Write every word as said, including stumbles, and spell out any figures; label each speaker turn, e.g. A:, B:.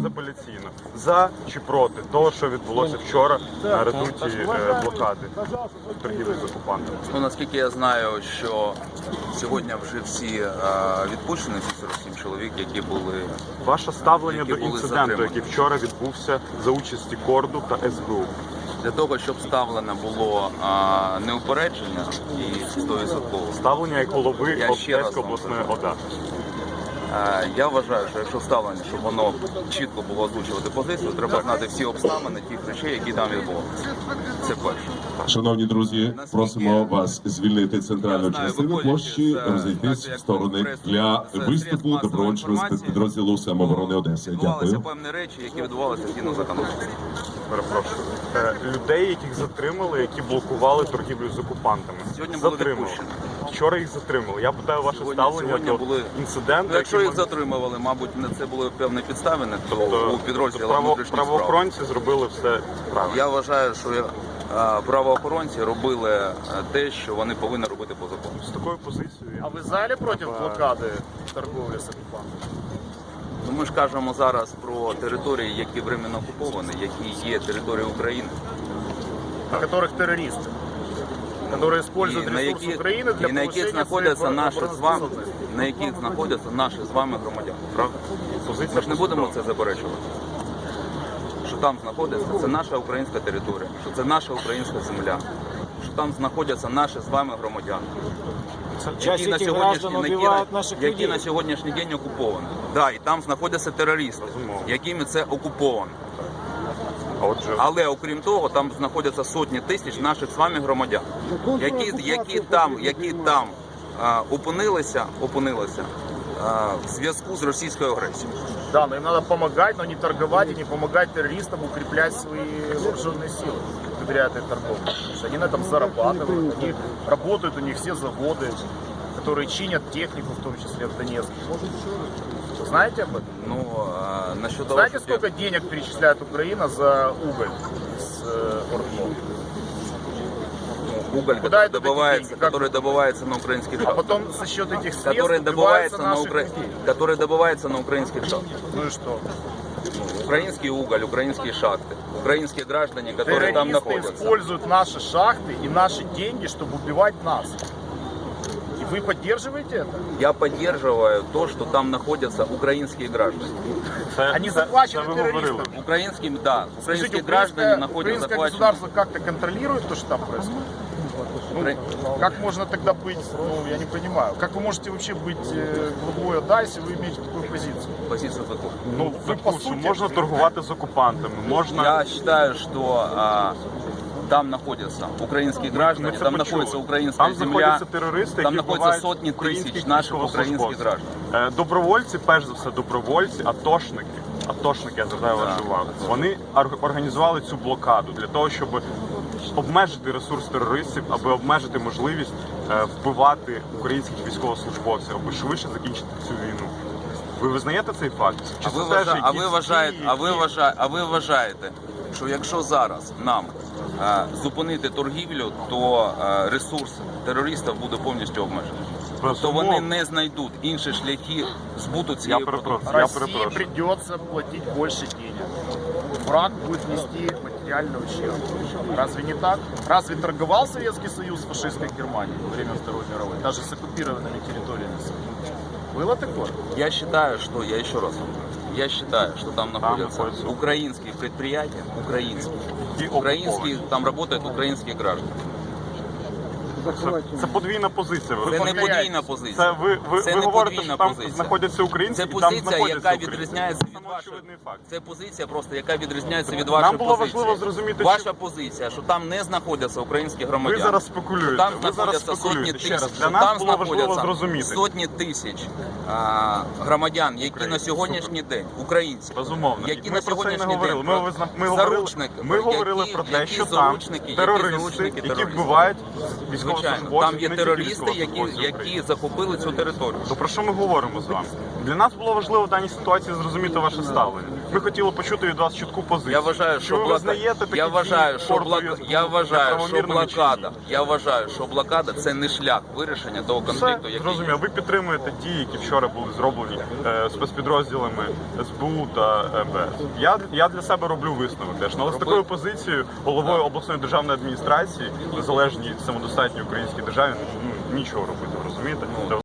A: безапеляційно за чи проти того, що відбулося вчора на редуті е, блокади торгівлі з окупантами?
B: Ну, наскільки я знаю, що сьогодні вже всі е, відпущені, ці сорок сім чоловік, які були...
A: Ваше ставлення
B: які
A: до
B: були
A: інциденту,
B: затримані.
A: який вчора відбувся за участі Корду та ес бе у?
B: Для того, щоб ставлено було а, неупередження і сто відсотків.
A: Ставлення як голови
B: Я ще раз
A: Одеської
B: вам
A: обласної
B: кажу.
A: ОДА.
B: А, я вважаю, що якщо ставлення, щоб воно чітко було озвучувати позицію, треба знати всі обставини тих речей, які там відбувалися. Це перше.
C: Шановні друзі, просимо вас звільнити центральну частину площі, розійтись в сторони для виступу добровольчого спецпідрозділу самооборони Одеси.
B: Відбувалися
C: Дякую.
B: певні речі, які відбувалися згідно законодавства.
A: Перепрошую. Е, Людей, яких затримали, які блокували торгівлю з окупантами.
B: Сьогодні були
A: Затримали.
B: відпущені.
A: Вчора їх затримали. Я питаю ваше
B: Сьогодні-
A: ставлення
B: сьогодні
A: до
B: були-
A: інциденту.
B: Ну, якщо
A: який
B: їх
A: ми-
B: затримували, мабуть, на це були певні підставини, то
A: Тобто,
B: у підрозділах
A: право-
B: внутрішніх справ.
A: правоохоронці зробили все правильно.
B: Я вважаю, що е, правоохоронці робили е, те, що вони повинні робити по закону.
A: З такою позицією.
D: А ви взагалі проти блокади торговлі з окупантами?
B: Ну, ми ж кажемо зараз про території, які временно окуповані, які є територією України.
D: На которых террористы, которые используют
B: І на
D: ресурсы
B: яких,
D: Украины для
B: і на яких
D: повышения
B: знаходяться
D: своей
B: наші з вами,
D: обороноспособности.
B: на яких знаходяться наші з вами громадяни. Правда?
A: Позиція
B: Ми ж не будемо
A: послідовна.
B: це заперечувати. Що там знаходиться, це наша українська територія, що це наша українська земля, що там знаходяться наші з вами громадяни. Які на, сьогоднішній, які, на, які на сьогоднішній день окуповані. Да, і там знаходяться терористи, якими це окуповано.
A: А отже,
B: Але окрім того, там знаходяться сотні тисяч наших з вами громадян, які, які там, які там а, опинилися, опинилися а, в зв'язку з російською агресією.
D: Да, но им надо помогать, но не торговать и не помогать террористам укреплять свои вооруженные силы благодаря этой торговле. Потому что они на этом зарабатывают, они работают, у них все заводы, которые чинят технику, в том числе в Донецке. Вы знаете об этом?
B: Ну, а, насчет того,
D: Знаете,
B: що
D: сколько денег перечисляет Украина за уголь с э, Ордно?
B: уголь,
D: Куда
B: который
D: идут эти
B: добывается,
D: деньги? Как-
B: который добывается на украинских
D: А
B: шахтах,
D: потом за счет этих средств
B: который
D: добиваются
B: добывается на
D: наших
B: укра...
D: людей.
B: который добывается на украинских шахтах.
D: Ну и что?
B: Украинский уголь, украинские шахты, украинские граждане, которые там
D: Террористы
B: находятся.
D: используют наши шахты и наши деньги, чтобы убивать нас. И вы поддерживаете это?
B: Я поддерживаю то, что там находятся украинские граждане.
A: це,
D: Они
A: це,
D: захвачены
A: це ви говорили.
D: террористами.
B: Украинские, да, украинские
D: Скажите,
B: граждане
D: украинское,
B: находятся
D: украинское
B: захвачены.
D: государство как-то контролирует то, что там происходит? Ну,
B: Укра-
D: как можно тогда быть, ну, я не понимаю, как вы можете вообще быть э, главой ОДА, если вы имеете такую позицию?
B: Позицию такую.
D: Ну, вы по
A: Тому що
D: сути...
A: можна торгувати з окупантами, можна...
B: Я считаю, что а, там находятся украинские граждане,
A: Ми це
B: там
A: почули.
B: находится украинская
A: Там
B: земля,
A: знаходяться терористи,
B: там
A: які
B: находятся
A: вбивають
B: сотни
A: українських
B: тысяч наших украинских
A: військовослужбовців.
B: граждан.
A: Е, Добровольці, перш за все, добровольці, атошники, атошники, я звертаю вашу увагу, вони ор- організували цю блокаду для того, щоб обмежити ресурс терористів, аби обмежити можливість е, вбивати українських військовослужбовців, аби швидше закінчити цю війну. Ви визнаєте цей факт? Чи
B: А ви,
A: це теж
B: вважа... а, ви
A: якісь
B: вважаєте,
A: дії,
B: а, ви
A: які-
B: вважаєте, а ви вважаєте, що якщо зараз нам е, зупинити торгівлю, то е, ресурс терористів буде повністю обмежений? Тобто вони
A: Безумовно.
B: не знайдуть інші шляхи збуту
A: Я
B: цієї
A: перепрошую.
B: продукції.
A: Я
D: России
A: перепрошую.
D: придется платить больше денег. Враг будет нести материальный ущерб. Разве не так? Разве торговал Советский Союз с фашистской Германией во время Второй мировой, даже с оккупированными территориями? Было такое?
B: Я считаю, что, я еще раз вам говорю, я считаю, что там находятся
A: находятся.
B: украинские предприятия, украинские,
A: И
B: украинские, там работают украинские граждане.
A: Це, це подвійна позиція. Ви
B: Це не
A: повторяєте.
B: подвійна позиція.
A: Це ви, ви,
B: Це
A: ви
B: не
A: говорите,
B: подвійна
A: що там
B: позиція.
A: знаходяться українці,
B: Це
A: і там
B: позиція,
A: знаходяться
B: яка
A: українці.
B: відрізняється
A: Це
B: від
A: самоочевидний
B: вашої.
A: факт.
B: Це позиція просто, яка відрізняється від
A: Нам
B: вашої
A: було
B: позиції.
A: важливо зрозуміти,
B: Ваша
A: чи-
B: позиція, що там не знаходяться українські
A: Ви
B: громадяни.
A: зараз спекулюєте.
B: Там
A: Ви зараз
B: знаходяться сотні
A: спекулюєте. Ще раз,
B: тисяч,
A: для
B: що
A: нас
B: там
A: було важливо
B: знаходяться
A: зрозуміти.
B: сотні тисяч а, громадян, які
A: Українці.
B: на сьогоднішній день, українці,
A: Безумовно.
B: які
A: І
B: на
A: ми про це і не
B: сьогоднішній
A: говорили.
B: день,
A: Ми, визна- ми, говорили,
B: заручники,
A: ми говорили
B: які-
A: про те,
B: які
A: що там
B: заручники, які
A: терористи,
B: заручники
A: які
B: терористів.
A: вбивають
B: Звичайно,
A: військовослужбовців,
B: там є
A: не тільки
B: терористи, які,
A: військовослужбовців
B: які
A: України.
B: захопили цю територію.
A: То про що ми говоримо з вами? Для нас було важливо в даній ситуації зрозуміти ваше ваше ставлення. Ми хотіли почути від вас чітку позицію.
B: Я вважаю,
A: Чи
B: що
A: ви
B: блока...
A: визнаєте такі
B: я вважаю,
A: дії
B: що
A: Фордові
B: блока... я вважаю, що
A: неправомірними чи
B: блокада.
A: ні?
B: Я вважаю, що блокада це не шлях вирішення того конфлікту,
A: Все,
B: який
A: зрозуміло. Ви підтримуєте дії, які вчора були зроблені е, спецпідрозділами ес бе у та ем ве ес. Я, я для себе роблю висновок теж. Але з такою позицією головою обласної державної адміністрації, незалежній самодостатній українській державі, ну, нічого робити, розумієте?